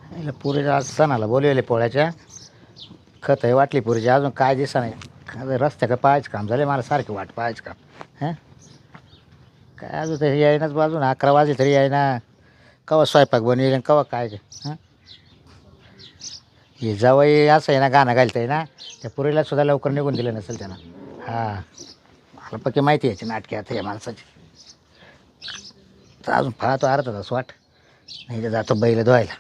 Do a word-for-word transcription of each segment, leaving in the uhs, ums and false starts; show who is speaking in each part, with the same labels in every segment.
Speaker 1: हिला पुरीला आज सणाला बोलवले पोळ्याच्या खत आहे वाटली पुरीची अजून काय दिसा नाही रस्त्या का पाहायचं काम झालं मला सारखी वाट पाहायचं काम हां काय अजून तरी यायनाच बाजून अकरा वाजले तरी यायना कवा स्वयंपाक बनवेल कवा काय हां हे जावई असं आहे ना गाणं घालतं आहे ना त्या पुरीला सुद्धा लवकर निघून दिलं नसेल त्यानं हां मला पक्की माहिती यायची नाटकी आता या माणसाची तर अजून पाहतो अर्धा तास वाट नाही तर जातो बैल धुवायला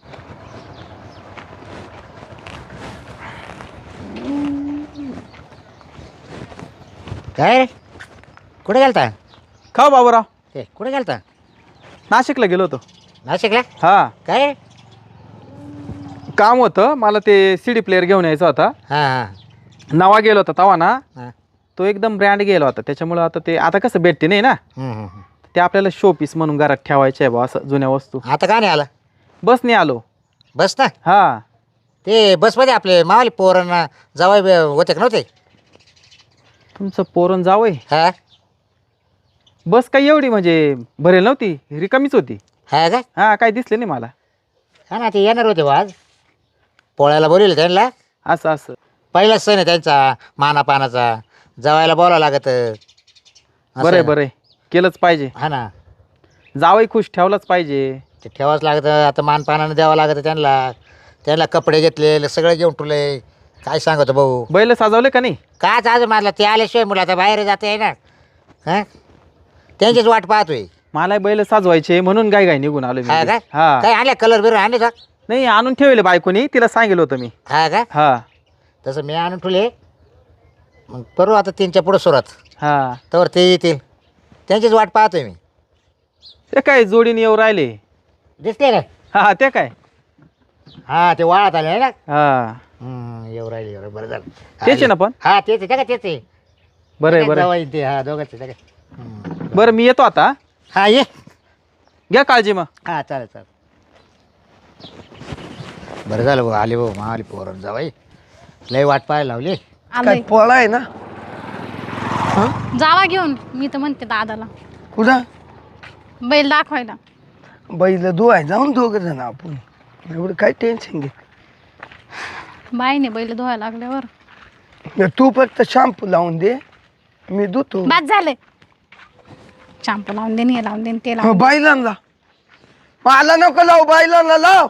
Speaker 1: काय रे कुठे गेलता
Speaker 2: का बाबूराव
Speaker 1: ते कुठे गेलता
Speaker 2: नाशिकला गेलो होतो
Speaker 1: नाशिकला
Speaker 2: हा
Speaker 1: काय रे
Speaker 2: काम होतं मला ते सी डी प्लेअर घेऊन यायचा होता
Speaker 1: हां हां
Speaker 2: नवा गेलो होता तवा ना
Speaker 1: हां
Speaker 2: तो एकदम ब्रँड गेला होता त्याच्यामुळं आता ते आता कसं भेटते नाही ना
Speaker 1: हम्म, हम्म, हम्म.
Speaker 2: ते आपल्याला शो पीस म्हणून घरात ठेवायचे आहे बा असं जुन्या वस्तू
Speaker 1: आता का नाही आला
Speaker 2: बसने आलो
Speaker 1: बस ना
Speaker 2: हा
Speaker 1: ते बसमध्ये आपले मावाली पोरांना जावाय होते का नव्हते
Speaker 2: तुमचं पोरण जावंय
Speaker 1: हा
Speaker 2: बस काही एवढी म्हणजे भरेल नव्हती रिकामीच होती
Speaker 1: हा का
Speaker 2: हा काही दिसले नाही मला
Speaker 1: हा ना ते येणार होते बा आज पोळ्याला बोलवलं त्यांना
Speaker 2: असं असं
Speaker 1: पहिलाच सण आहे त्यांचा मानापानाचा जवायला बोलावं लागत
Speaker 2: बरं बरं केलंच पाहिजे
Speaker 1: हा ना
Speaker 2: जावई खुश ठेवलाच पाहिजे
Speaker 1: ते ठेवावंच लागतं आता मानपानानं द्यावं लागतं त्यांना त्यांना कपडे घेतले सगळे घेऊन ठेवले काय सांगतो भाऊ
Speaker 2: बैल साजवले का नाही
Speaker 1: काच आज मारला ते आल्याशिवाय मुलं आता बाहेर जाते आहे ना हां त्यांचीच वाट पाहतोय
Speaker 2: मला बैल साजवायचे म्हणून गाय गाय निघून आलो मी.
Speaker 1: हा का
Speaker 2: हा
Speaker 1: काय आणले कलर बिर आणले का
Speaker 2: नाही आणून ठेवले बायकोनी तिला सांगितलं होतं मी
Speaker 1: हा का
Speaker 2: हा
Speaker 1: तसं मी आणून ठेवले मग करू आता तीनच्या पुढं सुरुवात
Speaker 2: हा
Speaker 1: तर ते येतील त्यांचीच वाट पाहतोय मी
Speaker 2: ते काय जोडीने येऊ राहिले
Speaker 1: दिसते ना
Speaker 2: हा ते काय
Speaker 1: हा ते वाळत आले आहे ना
Speaker 2: हा
Speaker 1: हम्म, येऊ राहिले येऊ राहिले बरं झालं
Speaker 2: तेच आहे ना पण
Speaker 1: हा तेच आहे का तेच आहे
Speaker 2: बरं आहे, बरं आहे.
Speaker 1: जावई ते हा दोघंच आहे, हम्म.
Speaker 2: बरं मी येतो आता
Speaker 1: हा ये
Speaker 2: घ्या काळजी मग
Speaker 1: हा चालेल चालेल बरं झालं भाऊ आले भाऊ माली पोरण जावाई लय वाट पाहायला लावली
Speaker 3: आलोय
Speaker 4: पोळा आहे ना
Speaker 3: जावा घेऊन मी तर म्हणते दादाला
Speaker 4: कुठं
Speaker 3: बैल दाखवायला
Speaker 4: बैल धुवाय जाऊन दोघं जण आपण एवढं काय टेन्शन घे
Speaker 3: बाईने बैल धुवायला लागल्यावर
Speaker 4: तू फक्त शॅम्पू लावून दे मी धुतो
Speaker 3: बाद झाले शॅम्पू लावून दे हे लावून दे ते लावून दे.
Speaker 4: बैलांना मला नको लाव बैलांना लाव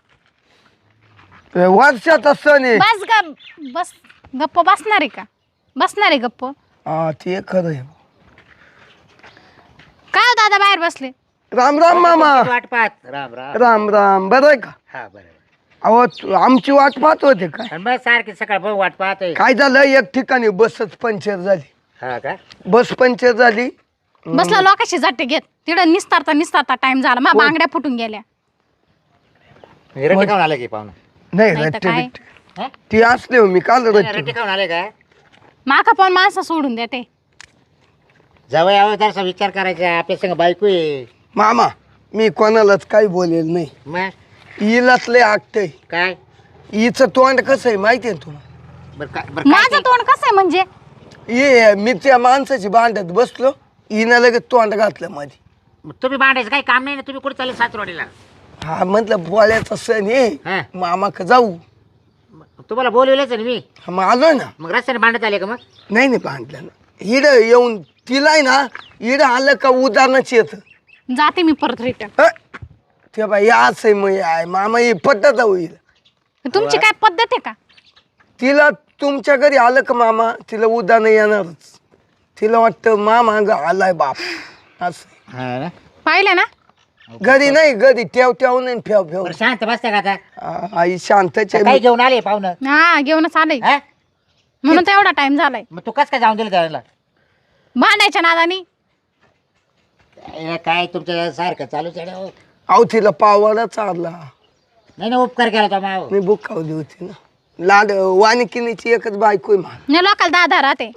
Speaker 4: हे वर्षाचा सण आहे
Speaker 3: बस ग बस गप्प बसणार आहे का बसणार आहे गप्प
Speaker 4: हा ते खरं आहे
Speaker 3: काय हो दादा बाहेर बसले
Speaker 4: राम राम मामा
Speaker 1: वाट पाहत राम राम
Speaker 4: राम राम बरं आहे का
Speaker 1: हा बरं
Speaker 4: अहो तू- आमची वाट पाहत होते काय
Speaker 1: आणि मग सारखी सकाळ भाऊ वाट पाहतोय
Speaker 4: काय झालं एक ठिकाणी बसच पंक्चर झाली
Speaker 1: हा का
Speaker 4: बस पंक्चर झाली
Speaker 3: बसला लोकांशी जाटे घेत तिथं निस्तारता निस्तारता टाइम झाला मग बांगड्या फुटून गेल्या
Speaker 1: म्हणजे रट्टे खाऊन आले की पाहुणं
Speaker 4: नाही
Speaker 3: नाही तर
Speaker 4: रट्टे
Speaker 3: काय?
Speaker 4: बिट्टे.
Speaker 1: हा?
Speaker 4: ती असले हो, मी काल
Speaker 1: रट्टे
Speaker 4: रट्टे
Speaker 1: खाऊन आले का
Speaker 3: माका पण माणसं सोडून देते
Speaker 1: जावई यावं जरासा विचार करायचा आपल्या संग बायको आहे
Speaker 4: मामा मी कोणालाच काही बोलेल नाही
Speaker 1: मग
Speaker 4: हिलाच लय आगतंय
Speaker 1: काय
Speaker 4: हिचं तोंड कसं आहे माहिती आहे तुला
Speaker 1: बरं काय बरं काय
Speaker 3: माझं तोंड कसं आहे म्हणजे
Speaker 4: ये मी त्या माणसाची भांडत बसलो हिनं लगेच तोंड घातलं मध्ये
Speaker 1: मग तुम्ही भांडायचं काही काम नाही ना तुम्ही कुठे चालले सासरवाडीला
Speaker 4: हा म्हटलं पोळ्याचा सण
Speaker 1: हा.
Speaker 4: आहे मामा का जाऊ
Speaker 1: मग तुम्हाला बोलवलंच ना मी
Speaker 4: हा, मग आलोय ना
Speaker 1: मग रस्त्याने भांडत आले का मग
Speaker 4: नाही नाही भांडलं ना हिड येऊन तिला आहे ना हिड आलं का उदाहरणच येतं
Speaker 3: जाते मी परत रिटर्न
Speaker 4: ह? ते बाई असं आहे मग हे आहे मामा ही पद्धत होईल
Speaker 3: तुमची काय पद्धत आहे का
Speaker 4: तिला तुमच्या घरी आलं का मामा तिला उदाहरण येणारच तिला वाटतं मामा ग आलाय बाप असं
Speaker 1: हा ना
Speaker 3: पाहिलं ना
Speaker 4: घरी नाही घरी ठेव ठेव नाही फेव फेव
Speaker 1: बरं शांत बसते का आता
Speaker 4: आ- आई शांतच आहे.
Speaker 1: काय घेऊन आले पाहुणं
Speaker 3: हा घेऊनच आलंय
Speaker 1: हा
Speaker 3: म्हणून तर एवढा टाइम झालाय
Speaker 1: मग तू कस काय जाऊन दिलं त्याला
Speaker 3: भांडायच्या नादानी
Speaker 1: काय- काय तुमच्या सारखं चालूच आहे ना हो.
Speaker 4: अहो तिला पावाला चालला
Speaker 1: नाही ना उपकार केला तो माव
Speaker 4: मी बुकावली होती ना लाड वानिकिनीची एकच बायको आहे मला
Speaker 3: नाही लोकाला दादा राहते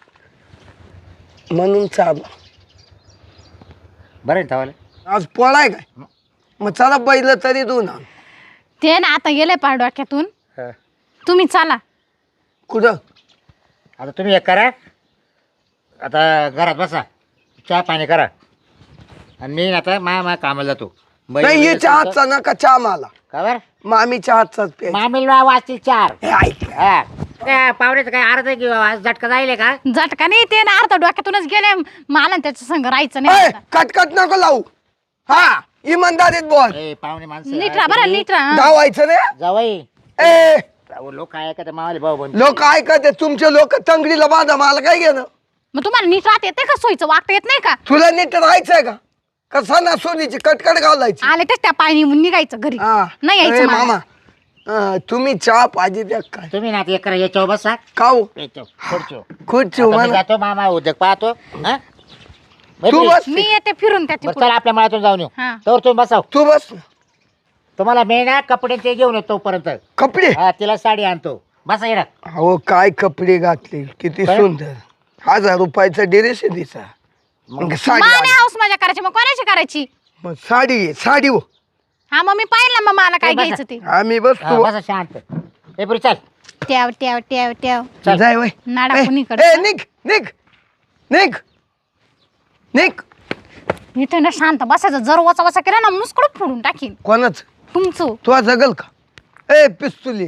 Speaker 4: म्हणून चालला
Speaker 1: बरं आहे ना तवाले
Speaker 4: आज पोळाय काय मग चला बैल तरी दोन आण.
Speaker 3: ते ना आता गेले पार डोक्यातून तुम्ही चला
Speaker 4: कुठं
Speaker 1: आता तुम्ही एक करा आता घरात बसा चहा पाणी करा आणि मी आता मा मा कामाला जातो बैल-
Speaker 4: नाही
Speaker 1: बैल
Speaker 4: हिच्या
Speaker 1: तुमचं-
Speaker 4: हातचा नका चहा मला
Speaker 1: का बरं
Speaker 4: मामीच्या हातचाच प्यायचा.
Speaker 1: मामीला वाजतील चार.
Speaker 4: हे ऐक
Speaker 1: हा. काय पाहुण्याचं काय अर्ध किंवा झटका जाईल का?
Speaker 3: झटका नाही ते ना अर्ध डोक्यातूनच गेले मला त्याच्या संग राहायचं नाही
Speaker 4: ए,
Speaker 3: आता.
Speaker 4: कटकट नको लावू. हा इमानदारीत बोल.
Speaker 1: ए, पाहुणे माणसं
Speaker 3: नीट राहा बरं नीट राहा.
Speaker 4: गावायचं नाही.
Speaker 1: जावई
Speaker 4: ए
Speaker 1: लोक आहे का मावाले भाऊ बन
Speaker 4: लोक ऐकत तुमचे लोक तंगडीला बांधा मला काय घेणं.
Speaker 3: मग तुम्हाला नीट राहता येते का सोयीचं वागता येत नाही का?
Speaker 4: तुला नीट राहायचंय का कसा ना सोनीची कटकट घालायची.
Speaker 3: आले तेच त्या पायी निघायचं घरी
Speaker 4: हा.
Speaker 3: नाही
Speaker 4: ए,
Speaker 3: यायचं मला.
Speaker 4: मामा हा, तुम्ही चहा पाहिजे द्या काय
Speaker 1: तुम्ही ना एक करा याच्यावर बसा
Speaker 4: खाऊ
Speaker 1: याच्यावर खुर्चीवर.
Speaker 4: खुर्ची
Speaker 1: आता मी
Speaker 4: म्हणा.
Speaker 1: जातो मामा उद्योग पाहतो हा?
Speaker 4: तू बस
Speaker 3: मी येते फिरून त्याच्या
Speaker 1: बरं, चला आपल्या मळ्यातून जाऊन येऊ
Speaker 3: हा.
Speaker 1: तर तुम्ही बसाव.
Speaker 4: तू बस
Speaker 1: तुम्हाला मी ना कपडे ते घेऊन येतो तोपर्यंत.
Speaker 4: कपडे.
Speaker 1: हा तिला साडी आणतो बसा येणार.
Speaker 4: हो काय कपडे घातले किती
Speaker 1: काय?
Speaker 4: सुंदर. हजार रुपयाचा ड्रेस आहे तिचा. मग साडी
Speaker 3: माने
Speaker 4: आली.
Speaker 3: हाऊस मजा करायची मग कोणाची करायची?
Speaker 4: मग साडी आहे, साडी हो
Speaker 3: हा मग मी पाहिलं मग मला काय
Speaker 1: ए, बसा.
Speaker 3: घ्यायचं ते.
Speaker 4: आम्ही
Speaker 1: हा,
Speaker 4: बसतो.
Speaker 1: बसा शांत. ए पुरी चल.
Speaker 3: ट्याव ट्याव ट्याव ट्याव
Speaker 1: चल.
Speaker 4: जाय वय.
Speaker 3: नाडा
Speaker 4: ए,
Speaker 3: कुणीकडे?
Speaker 4: ए, निघ निघ निघ निघ.
Speaker 3: इथे ना शांत बसायचं जर वचा वचा केला ना मुसकड फोडून टाकीन
Speaker 4: कोणाच
Speaker 3: तुमचं.
Speaker 4: तू जगल का? ए पिस्तुली.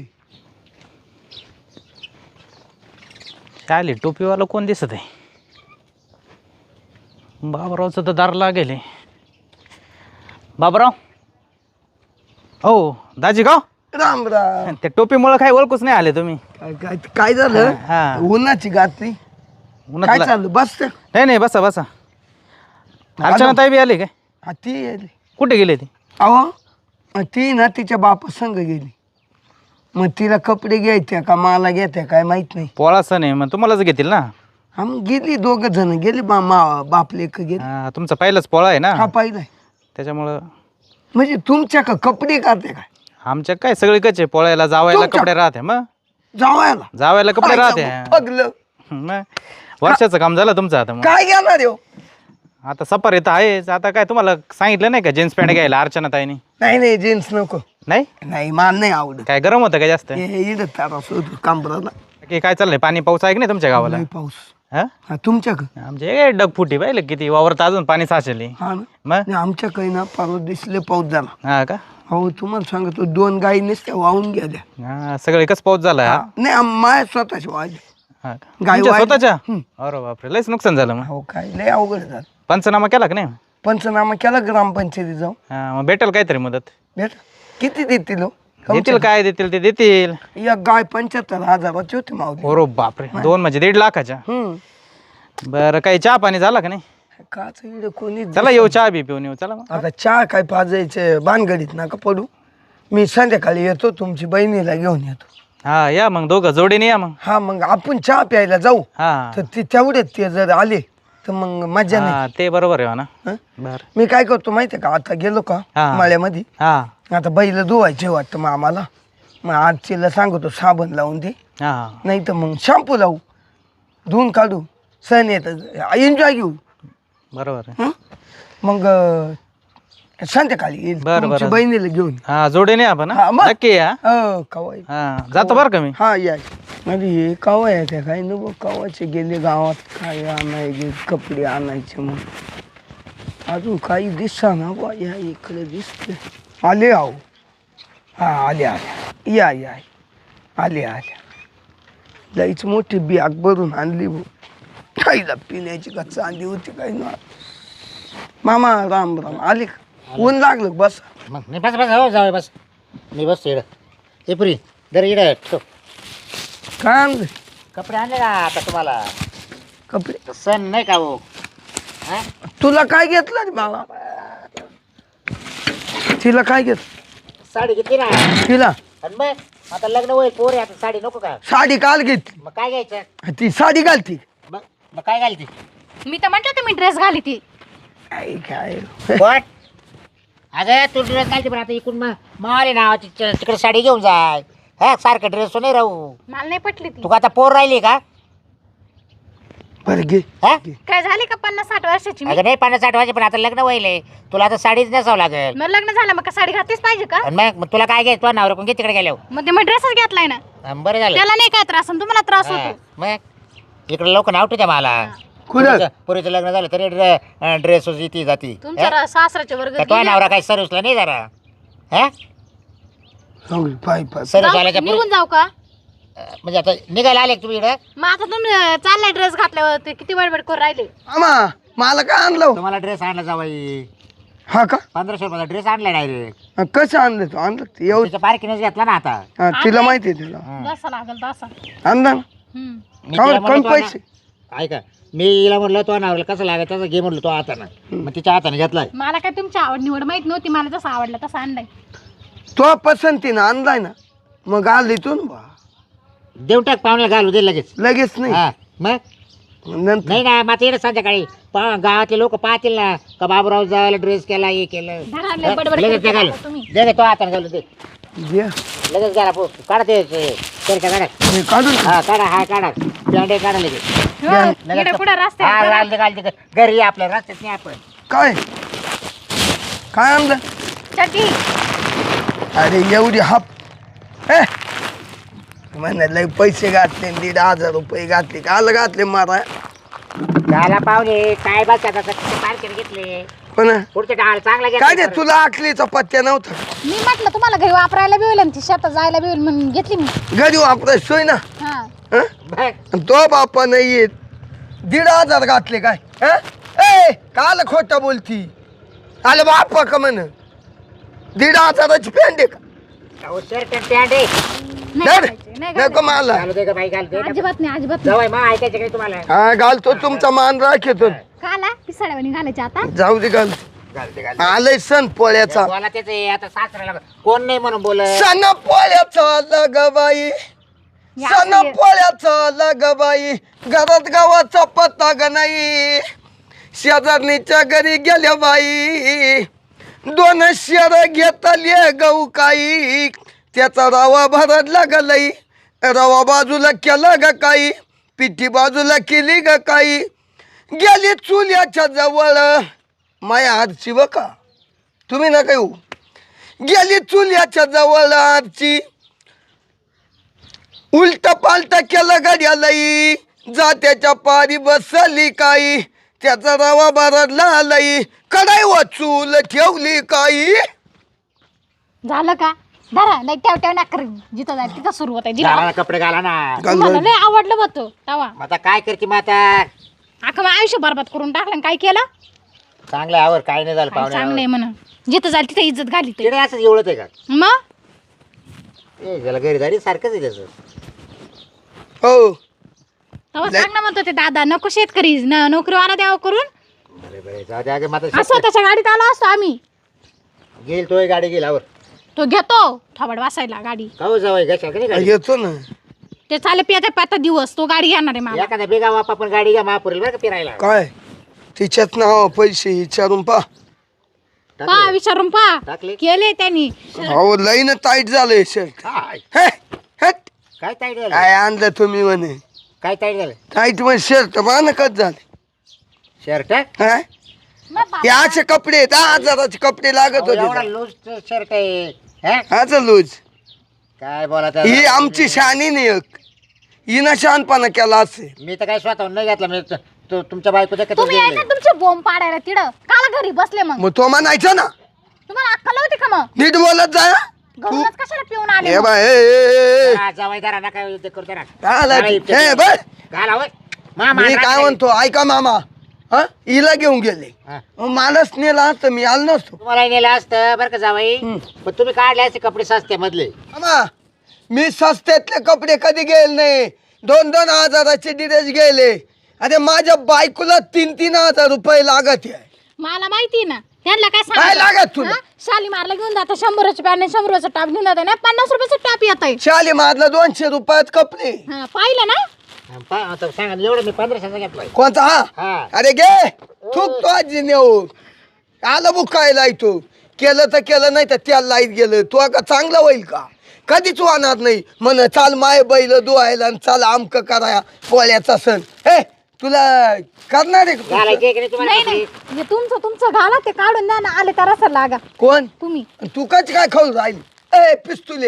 Speaker 2: चालेल टोपीवाला कोण दिसत आहे? बाबरावचं तर दार लागेल. बाबराव हो दाजी गाव
Speaker 4: राम राम.
Speaker 2: त्या टोपीमुळे काय ओळखूच नाही आले तुम्ही.
Speaker 4: काय काय काय झालं?
Speaker 2: हा.
Speaker 4: उन्हाची घातली. काय
Speaker 2: उन्हातला-
Speaker 4: चाललं बस ते.
Speaker 2: नाही नाही बसा बसा. अर्चना ताई बी आली काय?
Speaker 4: हा, ती आली.
Speaker 2: कुठे गेले ती?
Speaker 4: अहो ती ना तिच्या बापा संग गेली. मग तिला कपडे घ्यायचे का मला घ्यायचे काय माहित नाही.
Speaker 2: पोळा सण आहे मग तुम्हालाच घेतील ना.
Speaker 4: हा मग गेली दोघ जण गेली बा मा- बाप लेक गेली.
Speaker 2: हा, तुमचा पहिलाच पोळा आहे
Speaker 4: हा
Speaker 2: ना
Speaker 4: पाहिलाय.
Speaker 2: त्याच्यामुळं.
Speaker 4: म्हणजे तुमच्या का कपडे काढते काय?
Speaker 2: आमच्या काय सगळे कचे पोळ्याला जावायला
Speaker 4: तुमच्या-
Speaker 2: कपडे राहते मग
Speaker 4: जावायला
Speaker 2: जावायला कपडे राहते.
Speaker 4: पगलं
Speaker 2: मग वर्षाचं काम झालं तुमचं आता. मग
Speaker 4: काय घेणार हो?
Speaker 2: आता सफर येतं आहेच. आता काय तुम्हाला सांगितलं नाही का जीन्स पॅन्ट घ्यायला अर्चना ताईनी?
Speaker 4: नाही नाही जीन्स नको.
Speaker 2: नाही
Speaker 4: नाही मान नाही आवडत.
Speaker 2: काय गरम होतं का जास्त?
Speaker 4: हे इडत तारा सोडू कांबराला.
Speaker 2: की काय चाललंय पाणी पाऊस आहे की नाही तुमच्या गावाला?
Speaker 4: लय पाऊस.
Speaker 2: हा
Speaker 4: हा तुमच्या का?
Speaker 2: आमचे काय डगफुटी पाहिलं किती वावरत अजून पाणी साचले.
Speaker 4: हा ना.
Speaker 2: मग
Speaker 4: नाही, आमच्या काही ना परवा दिसले पाऊस झाला.
Speaker 2: हा का?
Speaker 4: हो तुम्हाला सांगतो दोन गाई नसत्या वाहून गेल्या.
Speaker 2: हा सगळे कस पाऊस झाला.
Speaker 4: हा. नाही आम- माझ्या स्वतःची वाजली.
Speaker 2: हा का?
Speaker 4: गाई
Speaker 2: तुमच्या
Speaker 4: वाहिल्या.
Speaker 2: स्वतःच्या?
Speaker 4: हं.
Speaker 2: अरे बापरे लयच नुकसान झालं मग.
Speaker 4: हो काय लय अवघड झालं.
Speaker 2: पंचनामा केला का नाही?
Speaker 4: पंचनामा केला ग्रामपंचायतीत जाऊन.
Speaker 2: हा मग भेटेल काहीतरी मदत.
Speaker 4: भेट किती देतील हो?
Speaker 2: देतील काय देतील ते देतील.
Speaker 4: एक गाय पंच्याहत्तर हजाराची होती मावली.
Speaker 2: हो बापरे दोन म्हणजे दीड लाखाच्या.
Speaker 4: हम्म
Speaker 2: बरं काही चहा पाणी झाला का नाही?
Speaker 4: काच इकडे कोणी
Speaker 2: चला येऊ चहा बी पिऊन येऊ. चला मग.
Speaker 4: आता चहा काय पाजायचे भानगडीत नका पडू. मी संध्याकाळी येतो तुमची बहिणीला घेऊन येतो.
Speaker 2: हा या मग दोघं जोडीने या मग.
Speaker 4: हा मग आपण चहा प्यायला जाऊ.
Speaker 2: हा
Speaker 4: तर ते तेवढेच ते जर आले तर मग मजा नाही.
Speaker 2: हा ते बरोबर आहे ना.
Speaker 4: हं?
Speaker 2: बर
Speaker 4: मी काय करतो माहितीये का आता गेलो का
Speaker 2: हा.
Speaker 4: मळ्यामध्ये
Speaker 2: हा
Speaker 4: आता बैल धुवायचे वाटतं मग आम्हाला. मग आज तिला सांगतो साबण लावून दे
Speaker 2: हा
Speaker 4: नाही तर मग शॅम्पू लावू धुवून काढू सण येत एन्जॉय घेऊ.
Speaker 2: बरोबर आहे.
Speaker 4: हं? मग अं, संध्याकाळी येईल
Speaker 2: बरं,
Speaker 4: तुमच्या
Speaker 2: बरं.
Speaker 4: बहिणीला घेऊन.
Speaker 2: हा जोडीने आपण
Speaker 4: हा,
Speaker 2: हा?
Speaker 4: मग.
Speaker 2: नक्की या.
Speaker 4: हो कवाय.
Speaker 2: हा जातो बरं का मी.
Speaker 4: हा या अरे हे कवा येते काय नको कवाचे गेले गावात काय आणायचे कपडे आणायचे मग अजून काही दिसा ना बा या इकडे दिसते आले आहो. हा आले आले या या आले आले लईच मोठी बॅग भरून आणली भाऊ. काहीला पिण्याची का चांदी होती काही ना. मामा राम राम आले का? ऊन लागलं बस.
Speaker 1: मग नाही बस बस हो जाऊ बस. मी बसतो इकडं. ए पुरी दर इकडं ठेव.
Speaker 4: काय आणलं
Speaker 1: कपडे आणले का आता तुम्हाला?
Speaker 4: कपडे
Speaker 1: सण नाही का हो? हा?
Speaker 4: तुला काय घेतलं रे बाबा? तिला काय घेतलं?
Speaker 1: साडी घेतली ना.
Speaker 4: तिला
Speaker 1: आणि मग आता लग्न होईल पोर आहे आता साडी नको का?
Speaker 4: साडी काल घेतली.
Speaker 1: मग काय घ्यायचं?
Speaker 4: ती साडी घालती.
Speaker 1: मग मग काय घालते?
Speaker 3: मी तर म्हटलं तुम्ही ड्रेस घाली ती.
Speaker 4: काय काय
Speaker 1: कोण? अगं तू ड्रेस घालते पण आता इकडून मग मारे नावाची तिकडे साडी घेऊन जाय. हा सारखं ड्रेस नाही राहू.
Speaker 3: मला नाही पटली ती.
Speaker 1: तू का आता पोर राहिली का?
Speaker 4: बरं घे.
Speaker 1: हा
Speaker 3: काय झाली का पन्नास साठ वर्षाची मी?
Speaker 1: अगं नाही पन्नास साठ वाजे पण आता लग्न व्हायले तुला आता साडीच नेसावं लागेल.
Speaker 3: मग लग्न झालं मग का साडी घातलीच पाहिजे का?
Speaker 1: आणि मग मग तुला काय घ्यायचं? तुला नवरा कोण घे तिकडे गेल्यावर.
Speaker 3: मग ते मग ड्रेसच घेतलाय ना.
Speaker 1: हं, बरं झालं.
Speaker 3: त्याला नाही काय त्रास आणि तुम्हाला त्रास
Speaker 1: हा,
Speaker 3: होतो.
Speaker 1: मग इकडे लोक नाव ठेवते मला.
Speaker 4: कुठं
Speaker 1: पुरीचं लग्न झालं तरी ड्रेस येते जाती.
Speaker 3: तुमच्या रा- सासऱ्याच्या वर्ग
Speaker 1: तो नवरा काय सर्विसला नाही जरा. हा
Speaker 4: सांगू पाय पाय
Speaker 1: सर्व
Speaker 3: जाऊ-
Speaker 1: चालायच्या पुढे
Speaker 3: निघून जाऊ का
Speaker 1: म्हणजे आता निघायला आले का तुम्ही इकडे
Speaker 3: मग आता तुम्ही अं, चाललाय ड्रेस घातल्यावर ते किती बडबड करून राहिले
Speaker 4: आमा मला काय आणलं हो?
Speaker 1: तुम्हाला ड्रेस आणला जावाई
Speaker 4: हा का
Speaker 1: पंधराशे रुपयाचा ड्रेस आणला डायरेक्ट
Speaker 4: हा, कसं आणलं तू आणलं ते एवढं
Speaker 1: त्याच्या पार्किंगच घेतला ना आता
Speaker 4: हा तिला माहिती आहे तिला
Speaker 3: दसा लागल दसा
Speaker 4: आणला ना
Speaker 3: हम्म.
Speaker 1: मी
Speaker 4: का
Speaker 1: तिला
Speaker 4: बरं,
Speaker 1: म्हणलं
Speaker 4: कमी
Speaker 1: तो
Speaker 4: पैसे
Speaker 1: ना- ऐका मी हिला म्हटलं तो नावला कसं लागायचं तसं घे म्हटलं तो हातानं मग तिच्या हाताने घेतलाय
Speaker 3: मला काय तुमची आवड निवड माहित नव्हती मला जसं आवडलं तसं आणलाय
Speaker 4: तो पसंतीनं आणलाय ना मग आली तू ना बा
Speaker 1: देऊ टाक पाहुण्याला घालू दे लगेच
Speaker 4: लगेच नाही
Speaker 1: हा मग
Speaker 4: नंतर
Speaker 1: नाही ना मग येणं संध्याकाळी पा- गावातले लोक पाहतील ना का बाबूराव जायला ड्रेस केला हे केलं
Speaker 3: धरा, लय बडबड
Speaker 1: लगेच
Speaker 3: करते
Speaker 1: घालू
Speaker 3: आता तुम्ही.
Speaker 1: दे दे, तो हाताने घालू दे
Speaker 4: द्या.
Speaker 1: लगेच घाला पो काढा ते ते- काढा
Speaker 4: हे काढून
Speaker 1: हा काढा हा काढा बँडे काढा लगेच
Speaker 3: हो, इकडे पुढे
Speaker 1: हा
Speaker 3: रस्त्यावर
Speaker 1: घाल दे घाल दे घरी ये आपल्या रस्त्यात नाही आपण
Speaker 4: काय काय आणलं
Speaker 3: चटी
Speaker 4: अरे एवढी हाप हे म्हणा लय पैसे घातले न दीड हजार रुपये घातले काल घातले मारा
Speaker 1: झाला पाहुणे काय बस आता पार्किंग घेतले
Speaker 4: पण
Speaker 1: पुढच्या डाळ चांगला घेतला
Speaker 4: काय रे तुला आखलीचा पत्त्या नव्हता
Speaker 3: मी म्हटलं तुम्हाला घरी वापरायला बी होईल आणि ती शेतात जायला बी होईल म्हणून घेतली मी
Speaker 4: घरी वापराय सोय ना
Speaker 3: हा
Speaker 4: हं?
Speaker 1: बघ,
Speaker 4: आणि तो बापा नाही येत दीड हजार घातले काय हं? ए काल खोटा बोलती आले बापा का म्हण दीड हजाराची पॅन्ट आहे का
Speaker 1: अहो, शर्ट आणि पॅन्ट आहे.
Speaker 3: नाही
Speaker 4: धर.
Speaker 3: घालायची, नाही
Speaker 4: नको मला
Speaker 1: घालू दे का बाई घालू दे ना.
Speaker 3: अजिबात नाही अजिबात नाही
Speaker 1: जवळ मग ऐकायचं काही तुम्हाला
Speaker 4: हा घालतो तुमचा मान राखतो
Speaker 3: काला पिसाड्यावानी घालायची आता
Speaker 4: जाऊ दे घाल
Speaker 1: घालते घालते
Speaker 4: आलंय सण पोळ्याचा
Speaker 1: बोला त्याच आता सासऱ्याला कोण नाही म्हणून बोल
Speaker 4: सण पोळ्याचा लगबाई
Speaker 3: या
Speaker 4: सण
Speaker 3: असं ये.
Speaker 4: पोळ्याचा लगबाई घरात गावाचा पत्ता ग नाही शेजारणीच्या घरी गेल्या बाई दोन शेर घेतले गहू काही त्याचा रवा भरत लागलई रवा बाजूला केला ग काही पिठी बाजूला केली ग काही गेली चुल्याच्या जवळ माया आरची बका तुम्ही ना काही गेली चुल्याच्या जवळ आरची उलट पालट केलं गाड्यालई जात्याच्या पारी बसली काही त्याचा रवा भरडला आलई कडाई वाचूल ठेवली काही
Speaker 3: झालं का धरा नाही ठेव ठेव ना कर जिथं जाईल तिथं सुरू होत
Speaker 1: घाला ना, कपडे घाला ना
Speaker 3: तुम्हाला लय आवडलं होतं तवा
Speaker 1: मग आता काय करते मग आता
Speaker 3: अख्खं मग आयुष्य बरबाद करून टाकलं आणि काय केलं
Speaker 1: चांगलं आवर काय नाही झालं
Speaker 3: काय चांगलं
Speaker 1: पाहुणे
Speaker 3: आहे म्हणून जिथं जाईल तिथं इज्जत घाली ते
Speaker 1: तिकडे असंच एवढंच आहे का
Speaker 3: मग
Speaker 1: ए त्याला घरी जाडी सारखंच आहे त्याचं
Speaker 4: हो
Speaker 3: तेव्हा सांग ना म्हणतो ते दादा नको शेतकरी न- नोकरीवाला द्यावं करून
Speaker 1: बरे बरे जाऊ दे अगं मग
Speaker 3: असं
Speaker 1: आता
Speaker 3: त्याच्या गाडीत आलो असतो आम्ही
Speaker 1: गेल तोय गाडी गेला आवर
Speaker 3: तो घेतो थोबड वासायला गाडी
Speaker 1: का हो जावाय घ्या का नाही गाडी
Speaker 4: येतो ना
Speaker 3: ते चाले पियाचा पाता दिवस तो गाडी घेणार आहे मला
Speaker 1: एखाद्या बेगा वाप आपण गाडी घ्या महापुरेल बरं का फिरायला
Speaker 4: काय तिच्यात नाव पैसे विचारून पा
Speaker 3: पा
Speaker 1: टाकले?
Speaker 3: विचारून पा
Speaker 1: टाकले
Speaker 3: केले त्यांनी
Speaker 4: अहो लईन टाईट झालंय शर्ट
Speaker 1: काय
Speaker 4: हे हट.
Speaker 1: काय ताईट झालं
Speaker 4: काय आणलं तुम्ही म्हणे
Speaker 1: काय ताईट झालं
Speaker 4: टाईट मध्ये शर्ट मानकच झाले
Speaker 1: शर्ट
Speaker 4: हा
Speaker 3: मग बाबा,
Speaker 4: हे असे कपडे दहा हजाराचे कपडे लागत
Speaker 1: एवढा
Speaker 4: होते
Speaker 1: लूज शर्ट आहे हा?
Speaker 4: हाच लूज
Speaker 1: काय बोला
Speaker 4: ही आमची शानी नाही एक हिनं शहाणपणा केला असे
Speaker 1: मी तर काय स्वतःहून नाही घेतला मी त- तो तुमच्या बायको देखत
Speaker 3: तुम्ही आहे ना तुमचे बोंब पाडायला तिडं काला घरी बसले मग
Speaker 4: मग तो म्हणायचं ना
Speaker 3: तुम्हाला अक्कल होती का मग
Speaker 4: नीट बोलत जा तू
Speaker 3: घरूनच कशाला पिऊन आले
Speaker 4: हे
Speaker 3: मग?
Speaker 4: बाय ए, ए, ए.
Speaker 1: जावाय दारा ना काय ते करतो ना
Speaker 4: काय आला
Speaker 1: काय
Speaker 4: तू? हे बर
Speaker 1: घाला होय मामा
Speaker 4: मी काय
Speaker 1: रात्री-
Speaker 4: म्हणतो ऐका मामा हा हिला घेऊन गेले
Speaker 1: हा.
Speaker 4: मग मलाच नेला असतं मी आलो नसतो
Speaker 1: तुम्हाला नेलं असतं बरं का जावाई
Speaker 4: हम्म.
Speaker 1: पण तुम्ही काढले असते कपडे सस्ते मधले
Speaker 4: मामा मी सस्त्यातले कपडे कधी गेले नाही दोन दोन हजाराचे ड्रेस गेले अरे माझ्या बायकोला तीन तीन हजार रुपये लागत आहे
Speaker 3: मला माहिती ना त्यांना काय
Speaker 4: काय
Speaker 3: सांगायचं?
Speaker 4: लागत तुला?
Speaker 3: हा? शालीमारला घेऊन जाता शंभराची पॅन शंभराचा टाप घेऊन जाता ना पन्नास रुपयाचा टाप येत आहे
Speaker 4: शाली मारला दोनशे रुपयात कपडे
Speaker 3: पाहिलं ना
Speaker 1: पा- आता सांगा ना, एवढं मी पंधराशेचा घेतलाय
Speaker 4: कोणता हा
Speaker 1: हा
Speaker 4: अरे गे थूक तो आजी नेऊ आलं बुकायला तू केलं तर केलं नाही तर त्याला लाईत गेलं तू का चांगलं होईल का कधीच वाहणार नाही म्हण चाल माय बैल धुवायला आणि चाल आमक कराया पोळ्याचा सण हे तुला करणार आहे का?
Speaker 1: घालायचे की नाही तुम्हाला
Speaker 3: नाही
Speaker 1: कपडे?
Speaker 3: नाही हे तुमचं तुमचं घाला ते काढून द्या ना आले तर असं लागा
Speaker 4: कोण
Speaker 3: तुम्ही
Speaker 4: तू कच काय खाऊ राहील ए पिस्तुले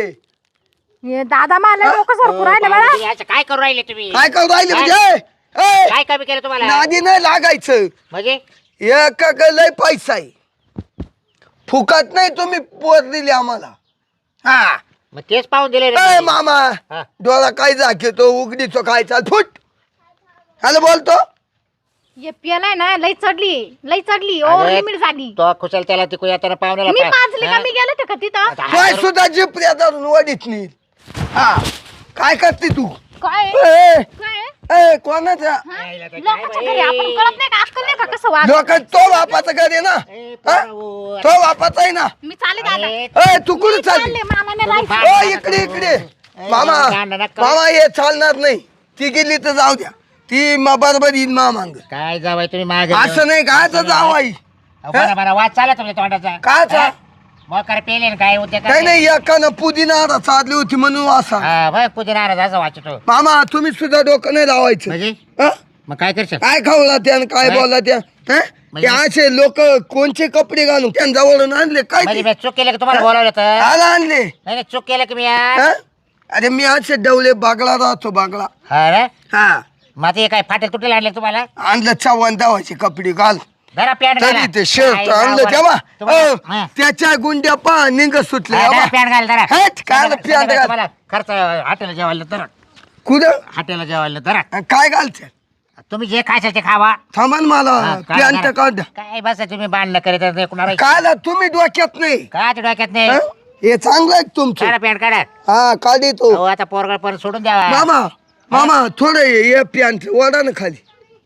Speaker 3: हे दादा मला लोक सरकू राहिले
Speaker 1: पाहुणे,
Speaker 3: बरं
Speaker 1: तुम्ही असं काय करू राहिले तुम्ही
Speaker 4: काय करू राहिले
Speaker 1: काय?
Speaker 4: म्हणजे ए,
Speaker 1: काय कमी केलं तुम्हाला
Speaker 4: नादी नाही लागायचं
Speaker 1: म्हणजे
Speaker 4: एक लय पैसा आहे फुकट नाही तुम्ही पोर दिली आम्हाला हा
Speaker 1: मग तेच पाहून दिले रे
Speaker 4: ए
Speaker 1: मी.
Speaker 4: मामा
Speaker 1: हा.
Speaker 4: डोळा काय जातो उघडीचो काय चाल फुट हॅलो बोलतो
Speaker 3: ये पियालाय ना लई चढली लई चढली
Speaker 1: अरे,
Speaker 3: ओव्हर लिमिट झाली
Speaker 1: तो कुशल त्याला तिकडे येताना पाहुण्याला
Speaker 3: मी
Speaker 1: पा-
Speaker 3: पाजली का
Speaker 1: हा?
Speaker 3: मी गेले का तिथं
Speaker 1: आता हा
Speaker 4: काय
Speaker 1: करू-
Speaker 4: सुद्धा जिप्रिया धरून वडीत नाही हा काय करते तू
Speaker 3: काय
Speaker 4: ए,
Speaker 3: काय
Speaker 4: ए कोणाचा
Speaker 3: हा?
Speaker 1: आईला तर काय
Speaker 3: लोकांच्या
Speaker 1: बाई.
Speaker 3: घरी आपण कळत नाही का अक्कल नाही का कसं वाग
Speaker 4: लोक तो बापाचा घरी ना
Speaker 1: ए,
Speaker 4: हा?
Speaker 1: पोरावो.
Speaker 4: तो बापाचा आहे ना
Speaker 3: मी चाले दादा
Speaker 1: अरे,
Speaker 4: ए तू कुठे
Speaker 3: मी
Speaker 4: चालली
Speaker 3: चालले, मला नाही
Speaker 1: तुम्ही
Speaker 3: राहायचं.
Speaker 1: भांडण
Speaker 4: ओ
Speaker 1: नका
Speaker 4: इकडे
Speaker 1: करू.
Speaker 4: इकडे
Speaker 1: ए,
Speaker 4: मामा
Speaker 1: भांडण नका करू.
Speaker 4: मामा हे चालणार नाही ती गेली तर जाऊ द्या ती मा बरोबर येईन मा मांग
Speaker 1: काय जावाय तुम्ही मागे
Speaker 4: असं नाही काय तर जाऊ आई
Speaker 1: बरं बरं वाद चालला तुमच्या तोंडाचा
Speaker 4: काचा
Speaker 1: मग करे पेले काय उद्या
Speaker 4: काही नाही एकानं पुदिना चालली होती म्हणून असा
Speaker 1: हा भाई पुढे नाराज असं वाचतो
Speaker 4: मामा तुम्ही सुद्धा डोकं नाही लावायचं
Speaker 1: म्हणजे
Speaker 4: हं?
Speaker 1: मग काय करशील
Speaker 4: काय खावला त्यानं काय
Speaker 1: काय?
Speaker 4: बोलला त्या हं?
Speaker 1: म्हणजे?
Speaker 4: ते असे लोक कोणचे कपडे घालून त्यांच्या जवळून आणले काय
Speaker 1: म्हणजे
Speaker 4: ते?
Speaker 1: मी चूक केलं की तुम्हाला बोलावलं तर
Speaker 4: आला आणले
Speaker 1: नाही नाही, चूक केलं की मी यार
Speaker 4: हं? अरे मी असे डवले बागला राहतो बागला
Speaker 1: हा रे
Speaker 4: हा
Speaker 1: मग आता हे काय फाटेल तुटेल आणले तुम्हाला
Speaker 4: आणलं चव्हाण दावाचे कपडे घाल
Speaker 1: धरा पॅन्ट घाला
Speaker 4: तरी ते शर्ट
Speaker 1: काय
Speaker 4: आणलं
Speaker 1: जावं.
Speaker 4: तेव्हा
Speaker 1: तुम्हाला-
Speaker 4: अ,
Speaker 1: हा.
Speaker 4: त्याच्या गुंड्या पा निघ सुटले
Speaker 1: हा, धरा पॅन्ट घाल धरा
Speaker 4: हेट, काय
Speaker 1: संध्याकाळी-
Speaker 4: पॅन्ट घाल?
Speaker 1: तुम्हाला खर्च हॉटेलला जेवायला धरा
Speaker 4: कुठं
Speaker 1: हॉटेलला जेवायला धरा
Speaker 4: काय घालते
Speaker 1: तुम्ही जे खायचं ते खावा
Speaker 4: थांबा ना मला
Speaker 1: हा, काय
Speaker 4: पॅन्ट
Speaker 1: करा?
Speaker 4: काढ
Speaker 1: काय बस तुम्ही बांधणं करीत कुणाला
Speaker 4: काय तुम्ही डोक्यात नाही
Speaker 1: काय ते डोक्यात नाही
Speaker 4: हं? हे चांगलं आहे तुमचं
Speaker 1: काढा पॅन्ट काढा
Speaker 4: हा काढी तो
Speaker 1: अहो आता पोरगळ परत सोडून द्यावा
Speaker 4: मामा मामा थोडं ये पॅन्ट वडा ना खाली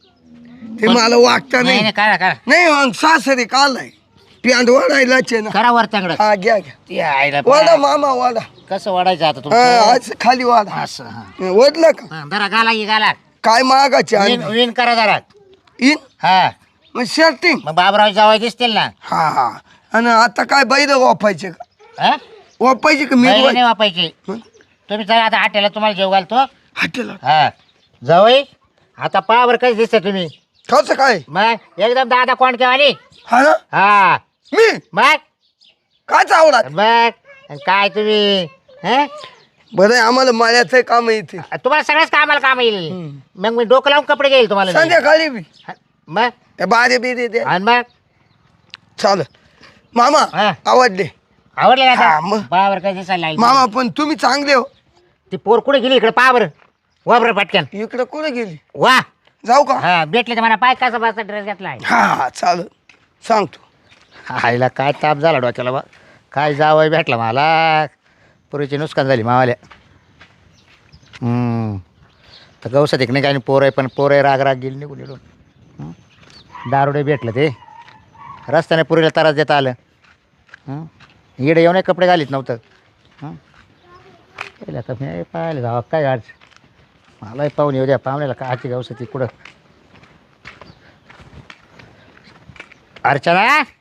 Speaker 4: ते मला वागता
Speaker 1: नाही
Speaker 4: नाही
Speaker 1: नाही, काढा काढा
Speaker 4: नाही मग सासरी कालाय पॅन्ट वडायलाच आहे ना
Speaker 1: करा वर तंगड
Speaker 4: हा घ्या घ्या
Speaker 1: ते आईला
Speaker 4: वडा मामा वडा
Speaker 1: कसं वाढायचं आता
Speaker 4: हा
Speaker 1: तुमचं
Speaker 4: असं खाली वाडा
Speaker 1: असं हा.
Speaker 4: वडलं का
Speaker 1: हा, धरा घाला की घाला
Speaker 4: काय मागाचे
Speaker 1: विन विन करा जरा
Speaker 4: इन
Speaker 1: हा
Speaker 4: मग शर्टिंग
Speaker 1: मग बाबराव जावाय दिसतील ना
Speaker 4: हा हा आणि आता काय बैल वापायचे का
Speaker 1: हा
Speaker 4: वापायचे का मी
Speaker 1: बैल नाही वापायचे
Speaker 4: हं?
Speaker 1: तुम्ही चला आता हॉटेलला तुम्हाला जेव घालतो
Speaker 4: हॉटेलला
Speaker 1: हा जावई आता पावर कशी दिसते तुम्ही
Speaker 4: कसं काय
Speaker 1: मग एकदम दादा कोण केवानी
Speaker 4: हा ना
Speaker 1: हा
Speaker 4: मी
Speaker 1: मग
Speaker 4: काय चावला
Speaker 1: मग काय तुम्ही हं?
Speaker 4: बरं आहे, आम्हाला माळ्याचं काम येते
Speaker 1: तुम्हाला सगळ्याच कामाला काम येईल
Speaker 4: हं.
Speaker 1: मग मी डोकं लावून कपडे घेईल तुम्हाला मी.
Speaker 4: संध्याकाळी बी
Speaker 1: हा, मग
Speaker 4: त्या बारे बिरे दे
Speaker 1: आणि मग
Speaker 4: चाल मामा
Speaker 1: हा.
Speaker 4: आवडले
Speaker 1: आवडले ना
Speaker 4: हा,
Speaker 1: आता?
Speaker 4: मग.
Speaker 1: पावर काय दिसायला लागली.
Speaker 4: मामा पण तुम्ही चांगले हो
Speaker 1: ती पोर कुठे गेली इकडे पावर वा बरं पटकन
Speaker 4: इकडे कुठे गेली
Speaker 1: वा
Speaker 4: जाऊ का
Speaker 1: हा भेटले तर मला पाय कसा बसा ड्रेस घेतलाय
Speaker 4: हा हा चाल सांगतो
Speaker 1: आईला काय ताप झाला डोक्याला बा काय जावं भेटला मला पुरीची नुकसान झाली मावाल्या हम्म. तर गवसात एक नाही काय पोर आहे पण पोर आहे राग राग गेली निघून निघून हं? दारुडे भेटलं ते रस्त्याने पुरीला त्रास देता आलं हं? इकडे येऊन कपडे घालीत नव्हतं हं? पहिलं आता मी पाहिलं जावा काय आज मलाही पाहून येऊ द्या पाहुण्याला काची गवसाती कुठं अर्चना